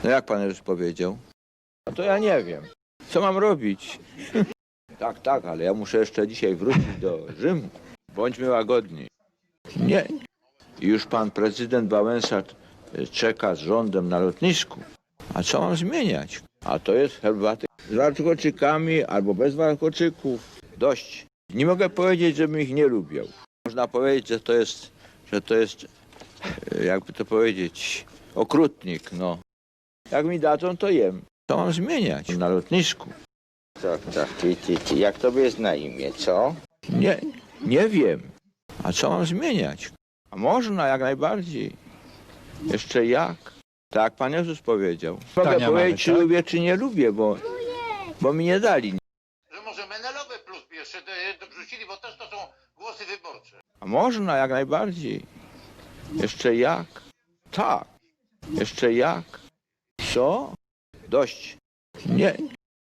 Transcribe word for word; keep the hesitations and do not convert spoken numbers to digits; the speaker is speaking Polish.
No jak pan już powiedział? No to ja nie wiem. Co mam robić? Tak, tak, ale ja muszę jeszcze dzisiaj wrócić do Rzymu. Bądźmy łagodni. Nie. I już pan prezydent Wałęsa czeka z rządem na lotnisku. A co mam zmieniać? A to jest herbaty z warkoczykami albo bez warkoczyków. Dość. Nie mogę powiedzieć, żebym ich nie lubił. Można powiedzieć, że to jest, że to jest, jakby to powiedzieć, okrutnik, no. Jak mi dadzą, to jem. Co mam zmieniać na lotnisku? Tak, tak, ty, ty, ty. Jak tobie jest na imię, co? Nie, nie wiem. A co mam zmieniać? A można, jak najbardziej. Jeszcze jak? Tak Pan Jezus powiedział. Mogę Tania powiedzieć, mamy, czy tak? lubię, czy nie lubię, bo, bo mi nie dali. Że może Menelowe plus jeszcze do- dorzucili, bo też to są głosy wyborcze. A można, jak najbardziej. Jeszcze jak? Tak. Jeszcze jak? Co? Dość. Nie.